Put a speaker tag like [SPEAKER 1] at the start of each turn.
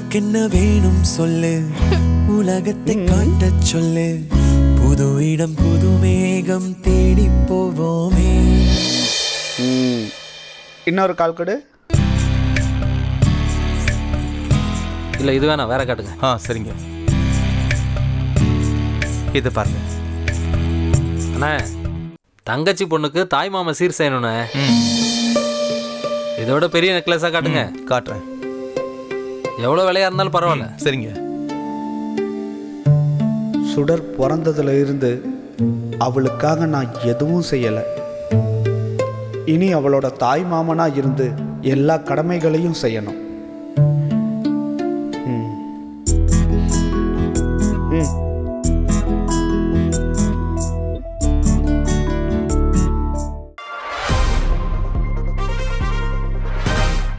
[SPEAKER 1] உனக்கென்ன வேணும் சொல்லு, உலகத்தை காட்டச் சொல்லு, புது இடம் புது மேகம் தேடி போவோமே.
[SPEAKER 2] இன்னொரு கால் கொடு.
[SPEAKER 3] இல்லை இது வேணாம், வேற காட்டுங்க.
[SPEAKER 4] சரிங்க. இது பாருங்க
[SPEAKER 3] அண்ணா, தங்கச்சி பொண்ணுக்கு தாய் மாமா சீர் செய்யணுண்ணே. இதோட பெரிய நெக்லஸாக காட்டுங்க.
[SPEAKER 4] காட்டுறேன்.
[SPEAKER 3] எவ்வளோ விலையாக இருந்தாலும் பரவாயில்ல.
[SPEAKER 4] சரிங்க.
[SPEAKER 2] சுடர் பிறந்ததுல இருந்து அவளுக்காக நான் எதுவும் செய்யலை. இனி அவளோட தாய் மாமனா இருந்து எல்லா கடமைகளையும் செய்யணும்.